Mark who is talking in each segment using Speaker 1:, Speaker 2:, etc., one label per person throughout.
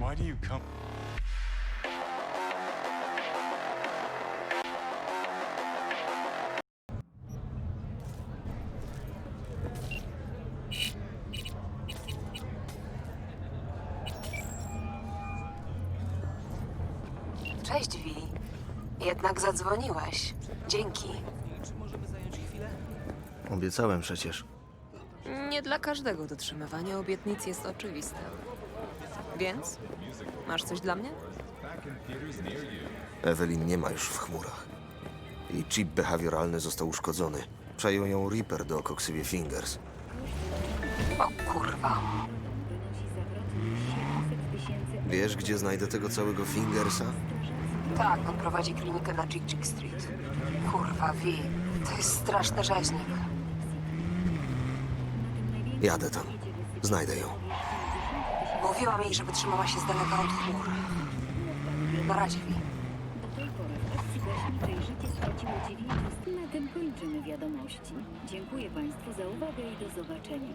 Speaker 1: Why do you come?
Speaker 2: Cześć, Wi. Jednak zadzwoniłeś. Dzięki.
Speaker 3: Obiecałem przecież.
Speaker 2: Nie dla każdego dotrzymywanie obietnic jest oczywiste. Więc? Masz coś dla mnie?
Speaker 3: Evelyn nie ma już w chmurach. Jej chip behawioralny został uszkodzony. Przejął ją Reaper do Coxybie Fingers.
Speaker 2: O kurwa.
Speaker 3: Wiesz, gdzie znajdę tego całego Fingersa?
Speaker 2: Tak, on prowadzi klinikę na Jig Street. Kurwa, Wi. To jest straszny rzeźnik.
Speaker 3: Jadę tam. Znajdę ją.
Speaker 2: Mówiłam jej, żeby trzymała się z daleka od chmur. Na razie, Wi.
Speaker 4: Do tej pory w akcji gaśniczej życie straciło 9. Na tym kończymy wiadomości. Dziękuję Państwu za uwagę i do zobaczenia.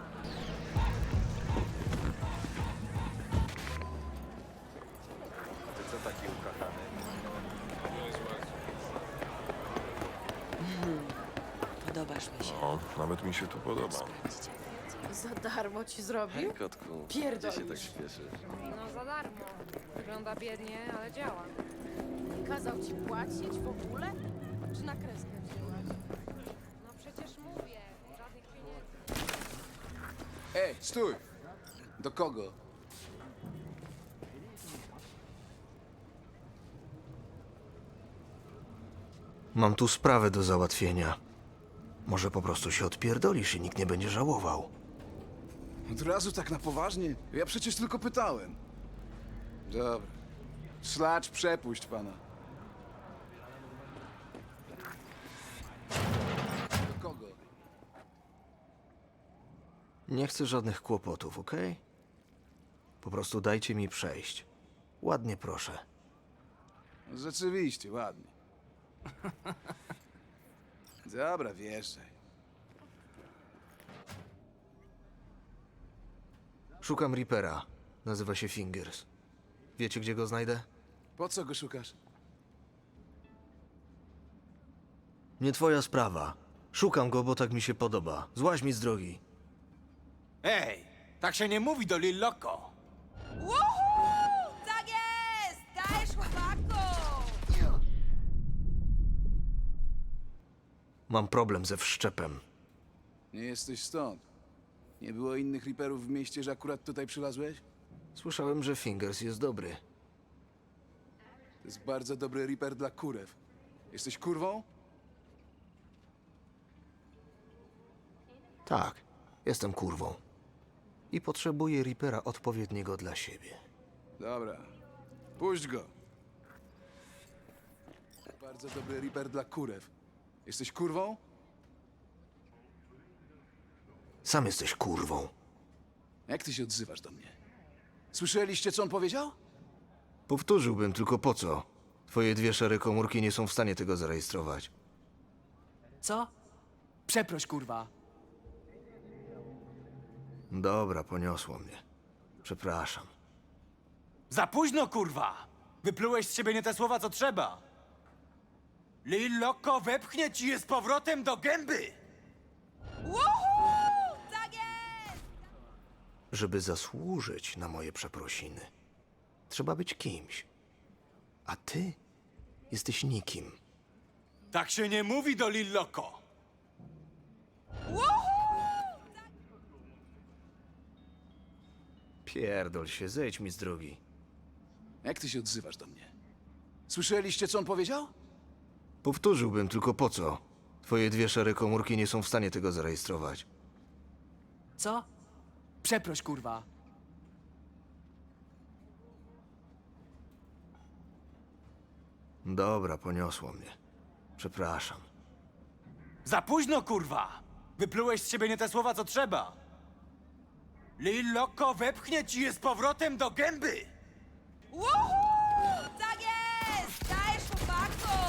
Speaker 2: Podobasz mi się.
Speaker 5: O, nawet mi się tu podoba.
Speaker 6: Za darmo ci zrobił?
Speaker 3: Kotku,
Speaker 6: Pierdolisz.
Speaker 3: gdzie się tak śpieszysz?
Speaker 7: No za darmo. Wygląda biednie, ale działa.
Speaker 6: Kazał ci płacić w ogóle? Czy na kreskę wzięłaś?
Speaker 7: No przecież mówię, żadnych pieniędzy.
Speaker 8: Ej, stój! Do kogo?
Speaker 3: Mam tu sprawę do załatwienia. Może po prostu się odpierdolisz i nikt nie będzie żałował.
Speaker 8: Od razu tak na poważnie? Ja przecież tylko pytałem. Dobra. Szlacz, przepuść pana. Do kogo?
Speaker 3: Nie chcę żadnych kłopotów, okej? Po prostu dajcie mi przejść. Ładnie proszę.
Speaker 8: Rzeczywiście, ładnie. Dobra, wjeżdżaj.
Speaker 3: Szukam Reapera. Nazywa się Fingers. Wiecie, gdzie go znajdę?
Speaker 8: Po co go szukasz?
Speaker 3: Nie twoja sprawa. Szukam go, bo tak mi się podoba. Złaź mi z drogi.
Speaker 9: Ej, tak się nie mówi do Lil Loco.
Speaker 7: Tak jest! Dajesz, chłopaku!
Speaker 3: Mam problem ze wszczepem.
Speaker 8: Nie jesteś stąd. Nie było innych Reaperów w mieście, że akurat tutaj przylazłeś?
Speaker 3: Słyszałem, że Fingers jest dobry.
Speaker 8: To jest bardzo dobry Reaper dla kurew. Jesteś kurwą?
Speaker 3: Tak, jestem kurwą. I potrzebuję Reapera odpowiedniego dla siebie.
Speaker 8: Dobra. Puść go. Bardzo dobry Reaper dla kurew. Jesteś kurwą?
Speaker 3: Sam jesteś kurwą.
Speaker 8: Jak ty się odzywasz do mnie? Słyszeliście, co on powiedział?
Speaker 3: Powtórzyłbym, tylko po co? Twoje dwie szare komórki nie są w stanie tego zarejestrować.
Speaker 9: Co? Przeproś, kurwa.
Speaker 3: Dobra, poniosło mnie. Przepraszam.
Speaker 9: Za późno, kurwa! Wyplułeś z siebie nie te słowa, co trzeba. Lil Loco wepchnie ci je z powrotem do gęby!
Speaker 7: Tak jest!
Speaker 3: Żeby zasłużyć na moje przeprosiny, trzeba być kimś. A ty jesteś nikim.
Speaker 9: Tak się nie mówi do Lil Loco.
Speaker 3: Pierdol się, zejdź mi z drogi.
Speaker 8: Jak ty się odzywasz do mnie? Słyszeliście, co on powiedział?
Speaker 3: Powtórzyłbym, tylko po co? Twoje dwie szare komórki nie są w stanie tego zarejestrować.
Speaker 9: Co? Przeproś, kurwa.
Speaker 3: Dobra, poniosło mnie. Przepraszam.
Speaker 9: Za późno, kurwa! Wyplułeś z siebie nie te słowa, co trzeba. Lil Loco wepchnie ci je z powrotem do gęby!
Speaker 7: Tak jest! Dajesz, chłopaku!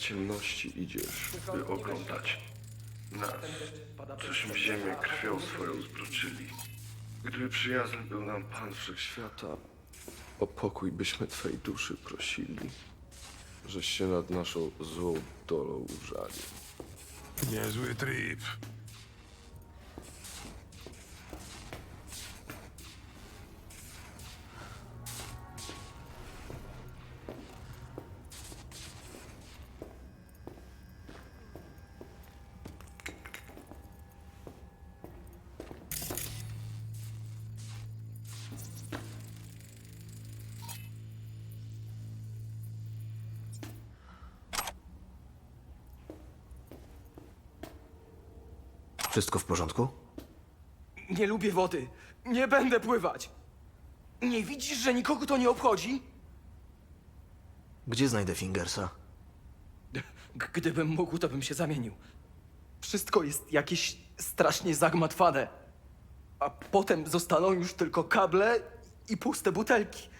Speaker 1: ciemności idziesz, by oglądać nas, cośmy ziemię krwią swoją zbroczyli. Gdyby przyjazny był nam Pan Wszechświata, o pokój byśmy Twej duszy prosili, żeś się nad naszą złą dolą użalił.
Speaker 5: Niezły trip.
Speaker 3: Wszystko w porządku?
Speaker 10: Nie lubię wody. Nie będę pływać. Nie widzisz, że nikogo to nie obchodzi?
Speaker 3: Gdzie znajdę Fingersa?
Speaker 10: Gdybym mógł, to bym się zamienił. Wszystko jest jakieś strasznie zagmatwane. A potem zostaną już tylko kable i puste butelki.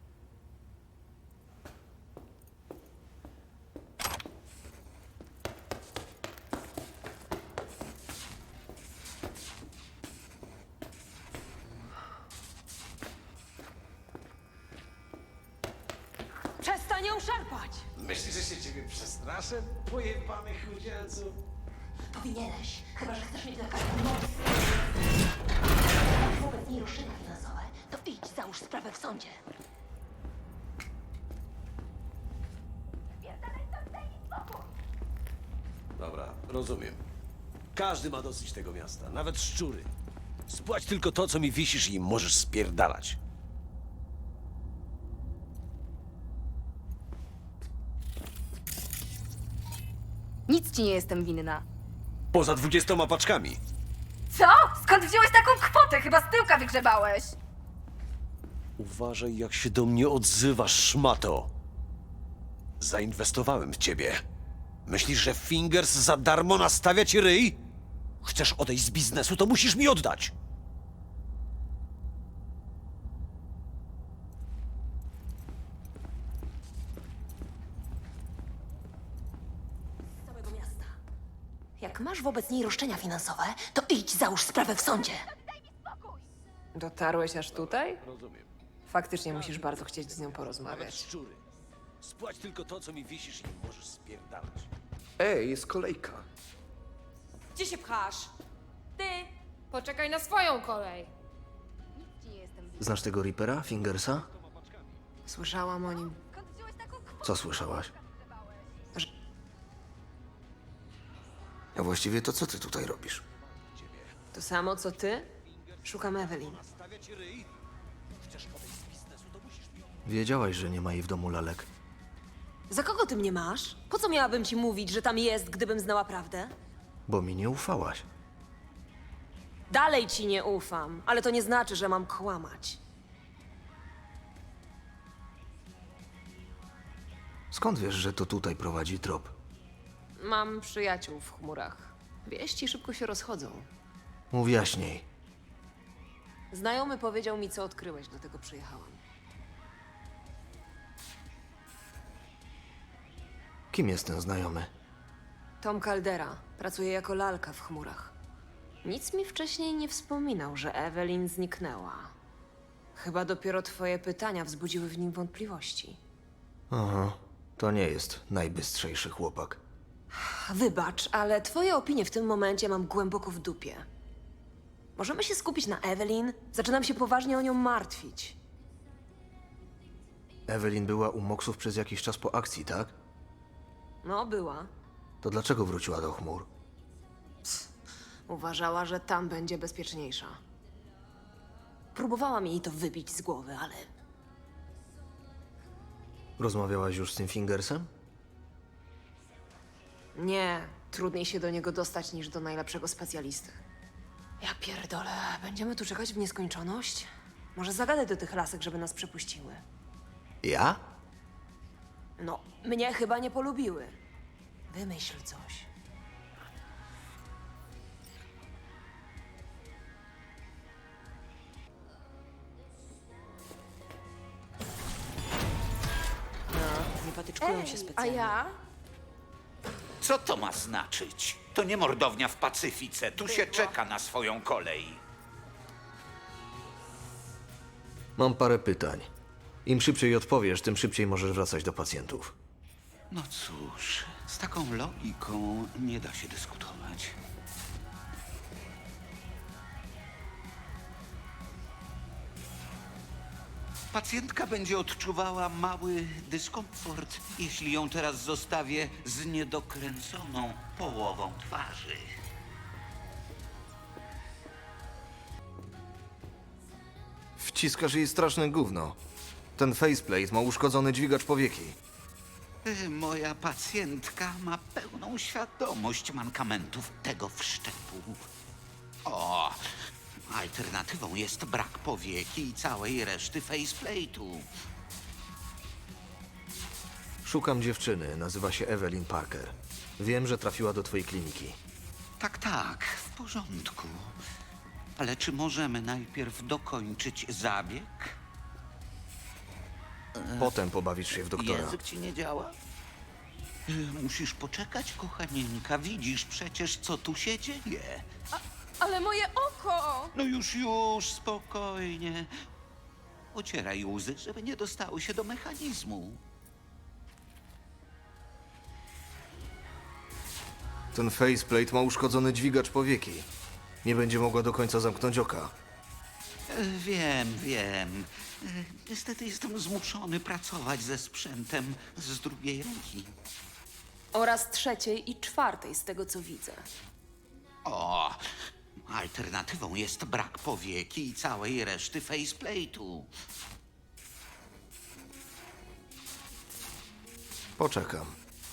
Speaker 6: Przestań ją szarpać!
Speaker 11: Myślisz, że się ciebie przestraszę? Pojebany chudzielcu.
Speaker 12: Powinieneś, chyba że chcesz mieć na każdym moc. Jak wobec niej roszczenia finansowe, to idź, załóż sprawę w sądzie.
Speaker 11: Dobra, rozumiem. Każdy ma dosyć tego miasta, nawet szczury. Spłać tylko to, co mi wisisz i możesz spierdalać.
Speaker 6: Nic ci nie jestem winna.
Speaker 11: Poza 20 paczkami.
Speaker 6: Co? Skąd wziąłeś taką kwotę? Chyba z tyłka wygrzebałeś.
Speaker 11: Uważaj, jak się do mnie odzywasz, szmato. Zainwestowałem w ciebie. Myślisz, że Fingers za darmo nastawia ci ryj? Chcesz odejść z biznesu, to musisz mi oddać.
Speaker 12: Z całego miasta. Jak masz wobec niej roszczenia finansowe, to idź, załóż sprawę w sądzie.
Speaker 2: Dotarłeś aż tutaj?
Speaker 11: Rozumiem.
Speaker 2: Faktycznie musisz bardzo chcieć z nią
Speaker 11: Nawet
Speaker 2: porozmawiać.
Speaker 11: szczury. Spłać tylko to, co mi wisisz i możesz spierdalać.
Speaker 8: Ej, jest kolejka.
Speaker 6: Gdzie się pchasz? Ty!
Speaker 7: Poczekaj na swoją kolej.
Speaker 6: Nic ci nie jestem winna.
Speaker 3: Znasz tego Reapera, Fingersa?
Speaker 2: Słyszałam o nim.
Speaker 6: Skąd wziąłeś taką kwotę?
Speaker 3: Co słyszałaś? A właściwie to co ty tutaj robisz?
Speaker 2: To samo co ty? Szukam Evelyn.
Speaker 11: Nastawia ci ryj? Chcesz odejść z biznesu, to musisz mi oddać.
Speaker 3: Wiedziałaś, że nie ma jej w domu lalek.
Speaker 2: Za kogo ty mnie masz? Po co miałabym ci mówić, że tam jest, gdybym znała prawdę?
Speaker 3: Bo mi nie ufałaś.
Speaker 2: Dalej ci nie ufam, ale to nie znaczy, że mam kłamać.
Speaker 3: Skąd wiesz, że to tutaj prowadzi trop?
Speaker 2: Mam przyjaciół w chmurach. Wieści szybko się rozchodzą.
Speaker 3: Mów jaśniej.
Speaker 2: Znajomy powiedział mi, co odkryłeś, dlatego przyjechałam.
Speaker 3: Kim jest ten znajomy?
Speaker 2: Tom Caldera. Pracuje jako lalka w chmurach. Nic mi wcześniej nie wspominał, że Evelyn zniknęła. Chyba dopiero twoje pytania wzbudziły w nim wątpliwości.
Speaker 3: Aha, to nie jest najbystrzejszy chłopak.
Speaker 2: Wybacz, ale twoje opinie w tym momencie mam głęboko w dupie. Możemy się skupić na Evelyn? Zaczynam się poważnie o nią martwić.
Speaker 3: Evelyn była u Moksów przez jakiś czas po akcji, tak?
Speaker 2: No, była.
Speaker 3: To dlaczego wróciła do chmur?
Speaker 2: Uważała, że tam będzie bezpieczniejsza. Próbowałam jej to wybić z głowy, ale
Speaker 3: Rozmawiałaś już z tym Fingersem?
Speaker 2: nie. Trudniej się do niego dostać niż do najlepszego specjalisty. Ja pierdolę. Będziemy tu czekać w nieskończoność? Może zagadaj do tych lasek, żeby nas przepuściły.
Speaker 3: Ja?
Speaker 2: No, mnie chyba nie polubiły. Wymyśl coś. No, nie patyczkują się
Speaker 6: A
Speaker 2: specjalnie.
Speaker 6: ja?
Speaker 13: Co to ma znaczyć? To nie mordownia w Pacyfice. Tu się czeka na swoją kolej.
Speaker 3: Mam parę pytań. Im szybciej odpowiesz, tym szybciej możesz wracać do pacjentów.
Speaker 13: No cóż, z taką logiką nie da się dyskutować. Pacjentka będzie odczuwała mały dyskomfort, jeśli ją teraz zostawię z niedokręconą połową twarzy.
Speaker 3: Wciskasz jej straszne gówno. Ten faceplate ma uszkodzony dźwigacz powieki.
Speaker 13: Moja pacjentka ma pełną świadomość mankamentów tego wszczepu. O, alternatywą jest brak powieki i całej reszty faceplate'u.
Speaker 3: Szukam dziewczyny, nazywa się Evelyn Parker. Wiem, że trafiła do twojej kliniki.
Speaker 13: Tak, w porządku. Ale czy możemy najpierw dokończyć zabieg?
Speaker 3: Potem pobawisz się w doktora.
Speaker 13: Język ci nie działa? Musisz poczekać, kochanieńka. Widzisz przecież, co tu się dzieje.
Speaker 6: Ale moje oko!
Speaker 13: No już, spokojnie. Ocieraj łzy, żeby nie dostały się do mechanizmu.
Speaker 3: Ten faceplate ma uszkodzony dźwigacz powieki. Nie będzie mogła do końca zamknąć oka.
Speaker 13: Wiem. Niestety jestem zmuszony pracować ze sprzętem z drugiej ręki.
Speaker 2: Oraz trzeciej i czwartej, z tego co widzę.
Speaker 13: O, alternatywą jest brak powieki i całej reszty faceplate'u.
Speaker 3: Poczekam.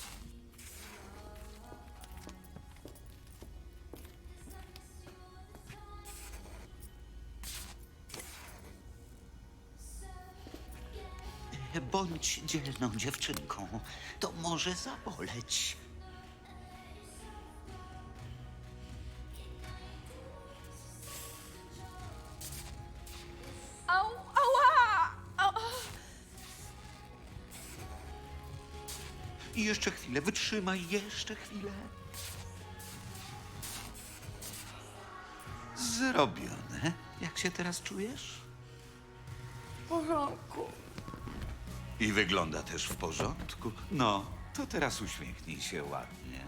Speaker 13: Bądź dzielną dziewczynką. To może zaboleć.
Speaker 6: Ała!
Speaker 13: I jeszcze chwilę, wytrzymaj, jeszcze chwilę. Zrobione. Jak się teraz czujesz?
Speaker 6: W porządku.
Speaker 13: I wygląda też w porządku. No, to teraz uśmiechnij się ładnie.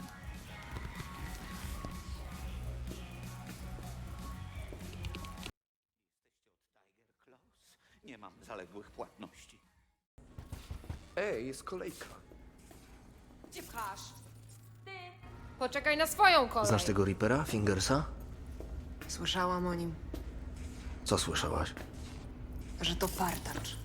Speaker 13: Nie mam zaległych płatności.
Speaker 10: Ej, jest kolejka.
Speaker 6: Gdzie pchasz? Poczekaj na swoją kolej.
Speaker 3: Znasz tego Reapera, Fingersa?
Speaker 2: Słyszałam o nim,
Speaker 3: Co słyszałaś?
Speaker 2: że to partacz.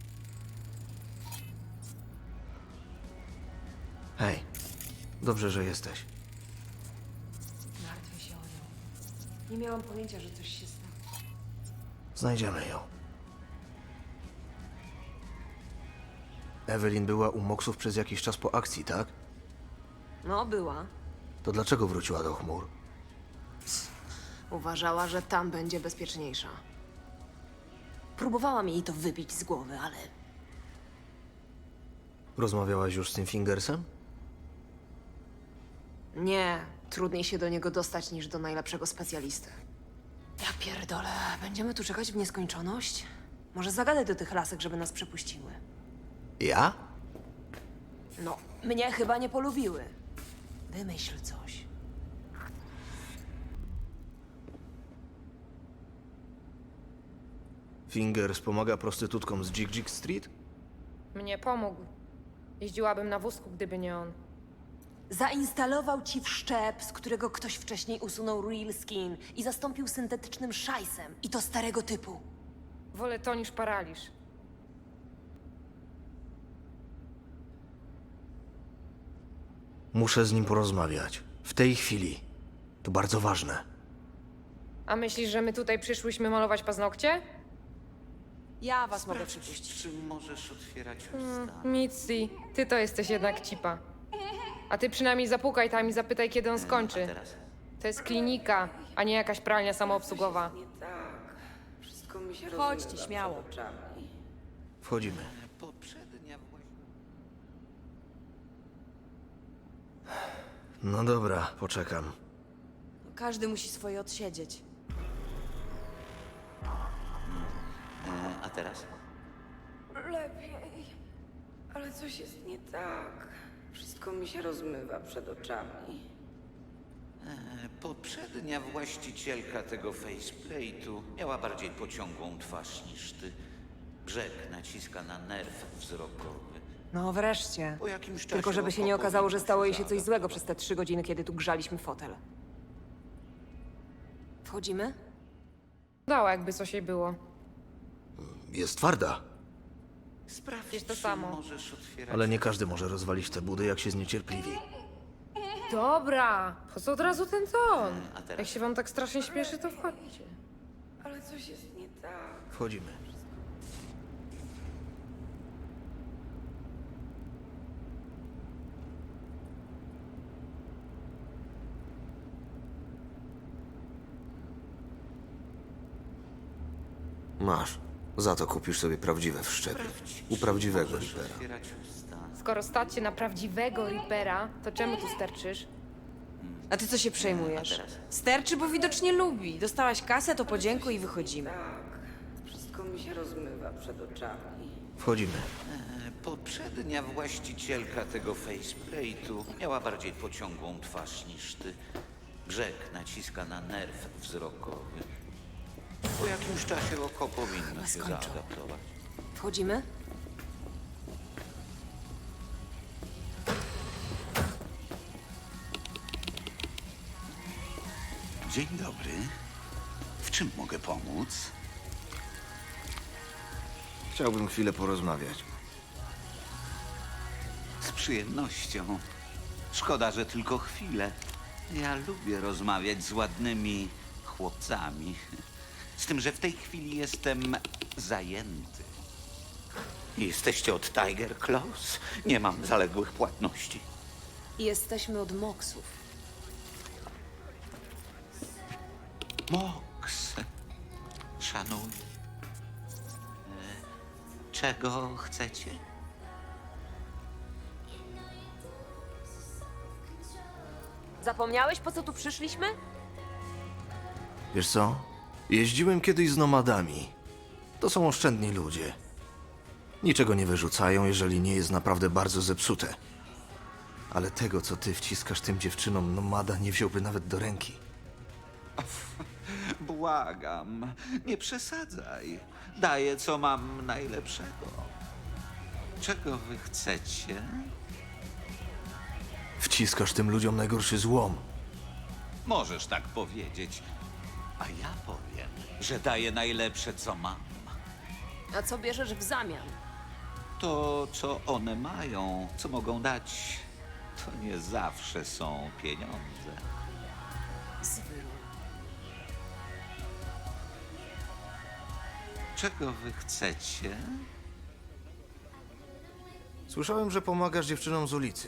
Speaker 3: Hej, dobrze, że jesteś.
Speaker 2: Martwię się o nią. Nie miałam pojęcia, że coś się stało.
Speaker 3: Znajdziemy ją. Evelyn była u Moksów przez jakiś czas po akcji, tak?
Speaker 2: No, była.
Speaker 3: To dlaczego wróciła do chmur?
Speaker 2: Uważała, że tam będzie bezpieczniejsza. Próbowałam jej to wybić z głowy, ale
Speaker 3: Rozmawiałaś już z tym Fingersem?
Speaker 2: nie. Trudniej się do niego dostać niż do najlepszego specjalisty. Ja pierdolę. Będziemy tu czekać w nieskończoność? Może zagadaj do tych lasek, żeby nas przepuściły.
Speaker 3: Ja?
Speaker 2: No, mnie chyba nie polubiły. Wymyśl coś.
Speaker 3: Fingers pomaga prostytutkom z Jig Jig Street?
Speaker 6: Mnie pomógł. Jeździłabym na wózku, gdyby nie on.
Speaker 2: Zainstalował ci wszczep, z którego ktoś wcześniej usunął real skin i zastąpił syntetycznym szajsem. I to starego typu.
Speaker 6: Wolę to niż paraliż.
Speaker 3: Muszę z nim porozmawiać. W tej chwili. To bardzo ważne.
Speaker 6: A myślisz, że my tutaj przyszłyśmy malować paznokcie?
Speaker 2: Ja was mogę przypuścić.
Speaker 13: Czy możesz otwierać usta?
Speaker 6: Mitzi, ty to jesteś jednak cipa. A ty przynajmniej zapukaj tam i zapytaj, kiedy on skończy.
Speaker 13: Teraz
Speaker 6: To jest klinika, a nie jakaś pralnia samoobsługowa.
Speaker 7: Chodźcie, śmiało.
Speaker 3: Wchodzimy.
Speaker 13: poprzednia
Speaker 3: No dobra, poczekam.
Speaker 2: Każdy musi swoje odsiedzieć.
Speaker 13: A teraz?
Speaker 7: Lepiej. Ale coś jest nie tak. Wszystko mi się rozmywa przed oczami.
Speaker 13: Poprzednia właścicielka tego faceplate'u miała bardziej pociągłą twarz niż ty. Brzeg naciska na nerw wzrokowy.
Speaker 2: No wreszcie.
Speaker 13: Po jakimś czasie
Speaker 2: Tylko żeby się nie
Speaker 13: oko
Speaker 2: okazało, że
Speaker 13: powinno
Speaker 2: stało jej się coś
Speaker 13: zaadaptować.
Speaker 2: złego przez te 3 godziny, kiedy tu grzaliśmy fotel. Wchodzimy?
Speaker 6: Dała, jakby coś jej było.
Speaker 3: Jest twarda,
Speaker 13: Sprawdź,
Speaker 6: Jest to
Speaker 13: czy
Speaker 6: samo.
Speaker 13: możesz otwierać...
Speaker 3: ale nie każdy może rozwalić te budy, jak się zniecierpliwi.
Speaker 6: Dobra, po co od razu ten ton?
Speaker 13: A teraz?
Speaker 6: Jak się wam tak strasznie śpieszy, to wchodźcie.
Speaker 7: Ale coś jest nie tak.
Speaker 3: Wchodzimy. Masz. Za to kupisz sobie prawdziwe wszczepy. U prawdziwego
Speaker 13: Możesz
Speaker 3: Reapera.
Speaker 13: otwierać usta.
Speaker 6: Skoro stać się na prawdziwego Reapera, to czemu tu sterczysz?
Speaker 2: A ty co się przejmujesz?
Speaker 13: A teraz?
Speaker 2: Sterczy, bo widocznie lubi. Dostałaś kasę, to podziękuj i wychodzimy.
Speaker 7: Tak. Wszystko mi się rozmywa przed oczami.
Speaker 3: Wchodzimy.
Speaker 13: Poprzednia właścicielka tego faceplate'u miała bardziej pociągłą twarz niż ty. Brzeg naciska na nerw wzrokowy. Po jakimś czasie oko powinno się
Speaker 2: skończył.
Speaker 13: zaadaptować.
Speaker 2: Wchodzimy?
Speaker 13: Dzień dobry. W czym mogę pomóc?
Speaker 3: Chciałbym chwilę porozmawiać.
Speaker 13: Z przyjemnością. Szkoda, że tylko chwilę. Ja lubię rozmawiać z ładnymi chłopcami. Z tym, że w tej chwili jestem zajęty. Jesteście od Tiger Claws? Nie mam zaległych płatności.
Speaker 2: Jesteśmy od Moksów.
Speaker 13: Mox. Szanuję. Czego chcecie?
Speaker 2: Zapomniałeś, po co tu przyszliśmy?
Speaker 3: Wiesz co? Jeździłem kiedyś z nomadami. To są oszczędni ludzie. Niczego nie wyrzucają, jeżeli nie jest naprawdę bardzo zepsute. Ale tego, co ty wciskasz tym dziewczynom, nomada nie wziąłby nawet do ręki.
Speaker 13: Błagam, nie przesadzaj. Daję, co mam najlepszego. Czego wy chcecie?
Speaker 3: Wciskasz tym ludziom najgorszy złom.
Speaker 13: Możesz tak powiedzieć. A ja powiem, że daję najlepsze, co mam.
Speaker 2: A co bierzesz w zamian?
Speaker 13: To, co one mają, co mogą dać, to nie zawsze są pieniądze.
Speaker 2: Zwyru.
Speaker 13: Czego wy chcecie?
Speaker 3: Słyszałem, że pomagasz dziewczynom z ulicy.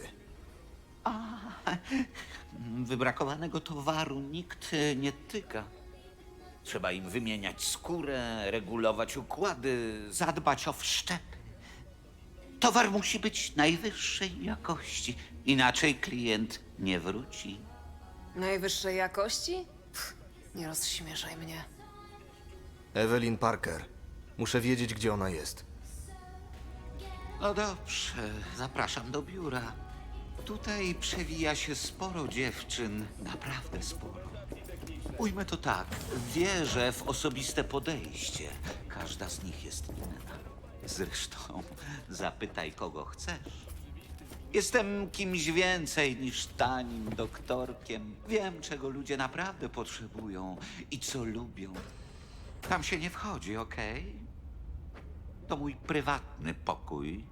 Speaker 13: Wybrakowanego towaru nikt nie tyka. Trzeba im wymieniać skórę, regulować układy, zadbać o wszczepy. Towar musi być najwyższej jakości, inaczej klient nie wróci.
Speaker 2: Najwyższej jakości? Pff, nie rozśmieszaj mnie.
Speaker 3: Evelyn Parker. Muszę wiedzieć, gdzie ona jest.
Speaker 13: No dobrze, zapraszam do biura. Tutaj przewija się sporo dziewczyn, naprawdę sporo. Ujmę to tak, wierzę w osobiste podejście. Każda z nich jest inna. Zresztą zapytaj, kogo chcesz. Jestem kimś więcej niż tanim doktorkiem. Wiem, czego ludzie naprawdę potrzebują i co lubią. Tam się nie wchodzi, okej? To mój prywatny pokój.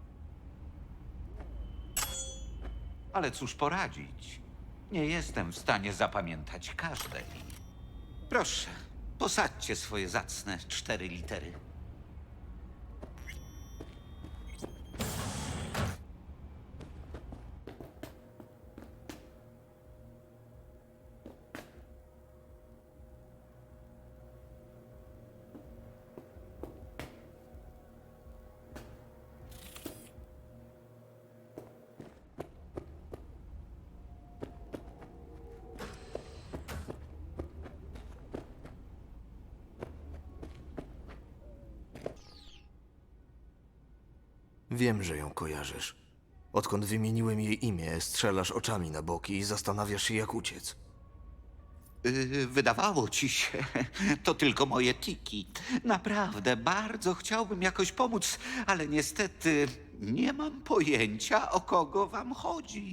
Speaker 13: Ale cóż poradzić? Nie jestem w stanie zapamiętać każdej. Proszę, posadźcie swoje zacne 4 litery.
Speaker 3: Wiem, że ją kojarzysz. Odkąd wymieniłem jej imię, strzelasz oczami na boki i zastanawiasz się, jak uciec.
Speaker 13: Wydawało ci się, to tylko moje tiki. Naprawdę, bardzo chciałbym jakoś pomóc, ale niestety nie mam pojęcia, o kogo wam chodzi.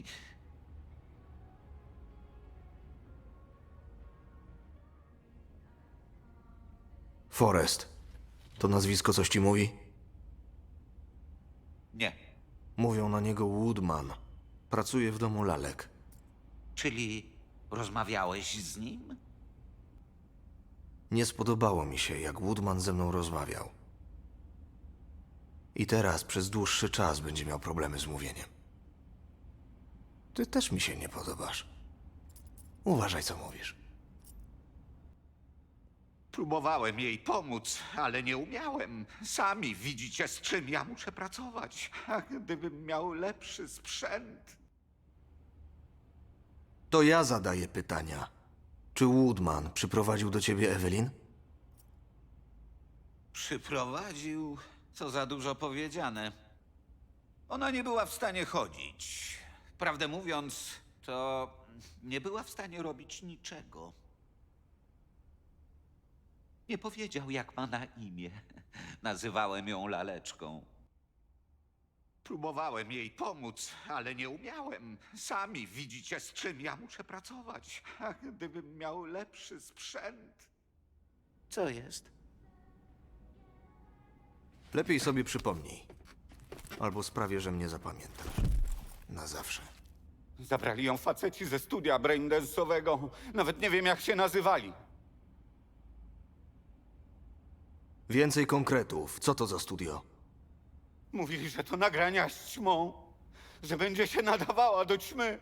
Speaker 3: Forrest. To nazwisko coś ci mówi?
Speaker 13: Nie,
Speaker 3: Mówią na niego Woodman. Pracuje w domu lalek.
Speaker 13: czyli rozmawiałeś z nim?
Speaker 3: Nie spodobało mi się, jak Woodman ze mną rozmawiał. I teraz przez dłuższy czas będzie miał problemy z mówieniem. Ty też mi się nie podobasz. Uważaj, co mówisz.
Speaker 13: Próbowałem jej pomóc, ale nie umiałem. Sami widzicie, z czym ja muszę pracować. A gdybym miał lepszy sprzęt...
Speaker 3: To ja zadaję pytania. Czy Woodman przyprowadził do ciebie Evelyn?
Speaker 13: Przyprowadził, co za dużo powiedziane. Ona nie była w stanie chodzić. Prawdę mówiąc, to nie była w stanie robić niczego. Nie powiedział, jak ma na imię. Nazywałem ją laleczką. Próbowałem jej pomóc, ale nie umiałem. Sami widzicie, z czym ja muszę pracować. A gdybym miał lepszy sprzęt... Co jest?
Speaker 3: Lepiej sobie przypomnij. Albo sprawię, że mnie zapamiętasz. Na zawsze.
Speaker 14: Zabrali ją faceci ze studia braindance'owego. Nawet nie wiem, jak się nazywali.
Speaker 3: Więcej konkretów. Co to za studio?
Speaker 14: Mówili, że to nagrania z ćmą. Że będzie się nadawała do ćmy.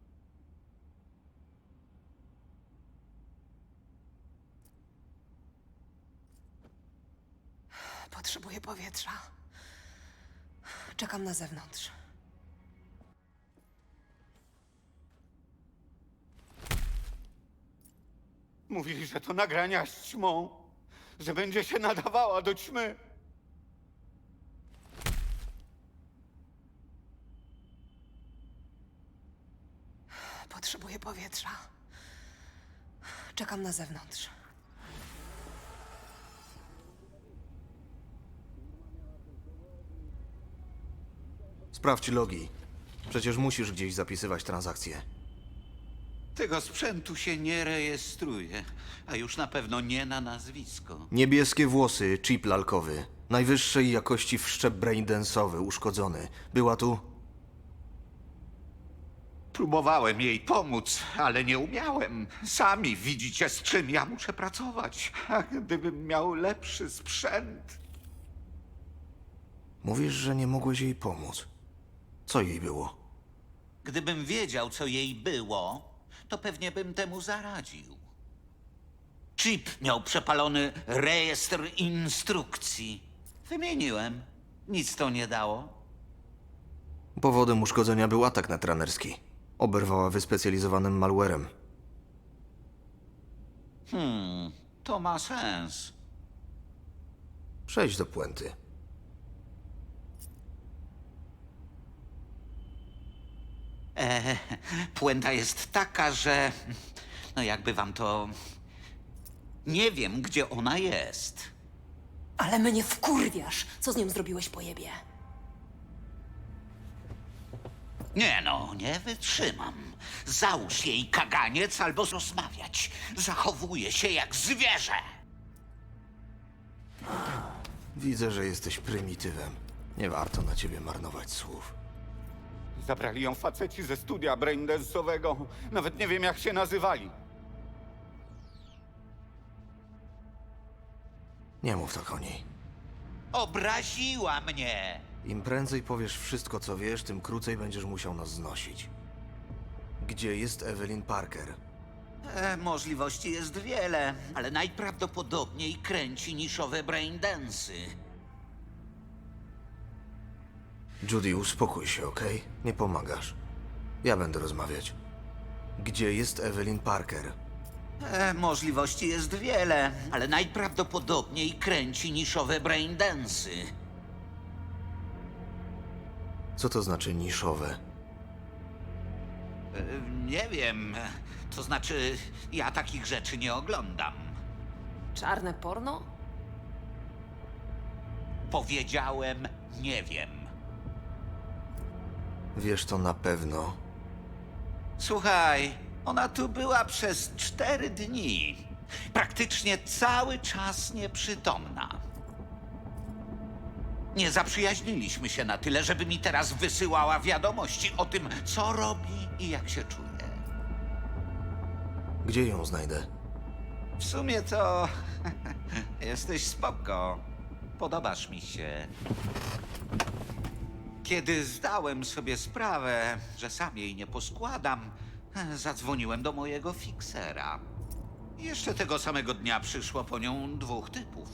Speaker 2: Potrzebuję powietrza. Czekam na zewnątrz.
Speaker 14: Mówili, że to nagrania z ćmą. Że będzie się nadawała do ćmy.
Speaker 2: Potrzebuję powietrza. Czekam na zewnątrz.
Speaker 3: Sprawdź logi. Przecież musisz gdzieś zapisywać transakcje.
Speaker 13: Tego sprzętu się nie rejestruje, a już na pewno nie na nazwisko.
Speaker 3: Niebieskie włosy, chip lalkowy. Najwyższej jakości wszczep braindance'owy, uszkodzony. Była tu?
Speaker 13: Próbowałem jej pomóc, ale nie umiałem. Sami widzicie, z czym ja muszę pracować. A gdybym miał lepszy sprzęt...
Speaker 3: Mówisz, że nie mogłeś jej pomóc. Co jej było?
Speaker 13: Gdybym wiedział, co jej było, to pewnie bym temu zaradził. Chip miał przepalony rejestr instrukcji. Wymieniłem. Nic to nie dało.
Speaker 3: Powodem uszkodzenia był atak netranerski. Oberwała wyspecjalizowanym malwarem.
Speaker 13: To ma sens.
Speaker 3: Przejdź do puenty.
Speaker 13: Puenta jest taka, że... No jakby wam to... Nie wiem, gdzie ona jest.
Speaker 12: Ale mnie wkurwiasz. Co z nią zrobiłeś po jebie?
Speaker 13: Nie no, nie wytrzymam. Załóż jej kaganiec albo rozmawiać. Zachowuje się jak zwierzę.
Speaker 3: Widzę, że jesteś prymitywem. Nie warto na ciebie marnować słów.
Speaker 14: Zabrali ją faceci ze studia braindance'owego. Nawet nie wiem, jak się nazywali.
Speaker 3: Nie mów tak o niej.
Speaker 13: Obraziła mnie.
Speaker 3: Im prędzej powiesz wszystko, co wiesz, tym krócej będziesz musiał nas znosić. Gdzie jest Evelyn Parker?
Speaker 13: Możliwości jest wiele, ale najprawdopodobniej kręci niszowe braindance'y.
Speaker 3: Judy, uspokój się, okej? Nie pomagasz. Ja będę rozmawiać. Gdzie jest Evelyn Parker?
Speaker 13: Możliwości jest wiele, ale najprawdopodobniej kręci niszowe braindance'y.
Speaker 3: Co to znaczy niszowe?
Speaker 13: Nie wiem. To znaczy, ja takich rzeczy nie oglądam.
Speaker 2: Czarne porno?
Speaker 13: Powiedziałem, nie wiem.
Speaker 3: Wiesz to na pewno.
Speaker 13: Słuchaj, ona tu była przez 4 dni. Praktycznie cały czas nieprzytomna. Nie zaprzyjaźniliśmy się na tyle, żeby mi teraz wysyłała wiadomości o tym, co robi i jak się czuje.
Speaker 3: Gdzie ją znajdę?
Speaker 13: W sumie to jesteś spoko. Podobasz mi się. Kiedy zdałem sobie sprawę, że sam jej nie poskładam, zadzwoniłem do mojego fiksera. Jeszcze tego samego dnia przyszło po nią 2 typów.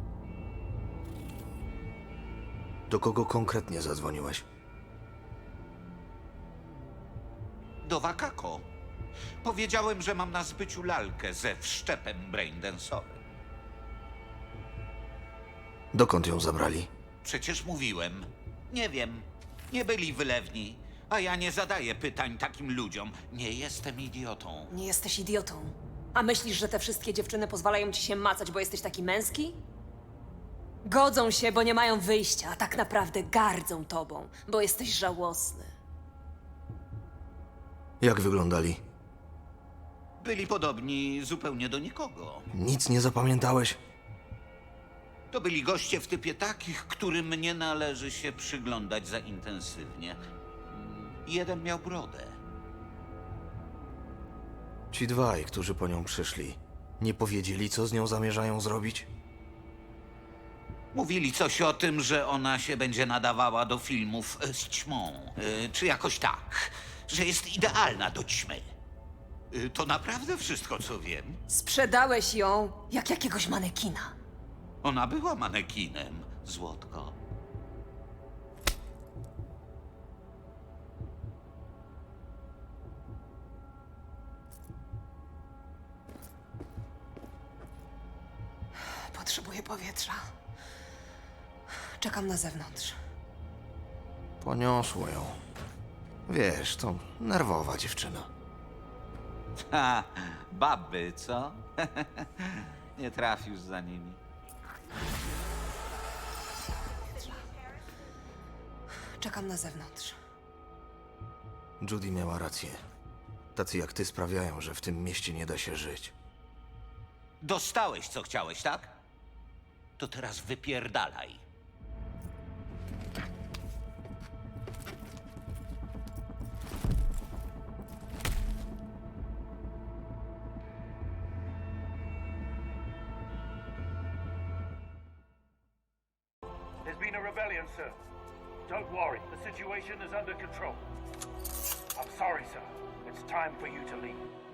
Speaker 3: Do kogo konkretnie zadzwoniłeś?
Speaker 13: Do Wakako. Powiedziałem, że mam na zbyciu lalkę ze wszczepem braindance'owym.
Speaker 3: Dokąd ją zabrali?
Speaker 13: Przecież mówiłem. Nie wiem. Nie byli wylewni. A ja nie zadaję pytań takim ludziom. Nie jestem idiotą.
Speaker 2: Nie jesteś idiotą. A myślisz, że te wszystkie dziewczyny pozwalają ci się macać, bo jesteś taki męski? Godzą się, bo nie mają wyjścia, a tak naprawdę gardzą tobą, bo jesteś żałosny.
Speaker 3: Jak wyglądali?
Speaker 13: Byli podobni zupełnie do nikogo.
Speaker 3: Nic nie zapamiętałeś?
Speaker 13: To byli goście w typie takich, którym nie należy się przyglądać za intensywnie. Jeden miał brodę.
Speaker 3: Ci dwaj, którzy po nią przyszli, nie powiedzieli, co z nią zamierzają zrobić?
Speaker 13: Mówili coś o tym, że ona się będzie nadawała do filmów z ćmą. Czy jakoś tak. Że jest idealna do ćmy. To naprawdę wszystko, co wiem.
Speaker 2: Sprzedałeś ją jak jakiegoś manekina.
Speaker 13: Ona była manekinem, złotko.
Speaker 2: Potrzebuję powietrza. Czekam na zewnątrz.
Speaker 3: Poniosło ją. Wiesz, to nerwowa dziewczyna.
Speaker 13: Ha, baby, co? Nie trafisz za nimi.
Speaker 2: Czekam na zewnątrz.
Speaker 3: Judy miała rację. Tacy jak ty sprawiają, że w tym mieście nie da się żyć.
Speaker 13: Dostałeś, co chciałeś, tak? To teraz wypierdalaj.
Speaker 15: There's been a rebellion, sir. Don't worry, the situation is under control. I'm sorry, sir. It's time for you to leave.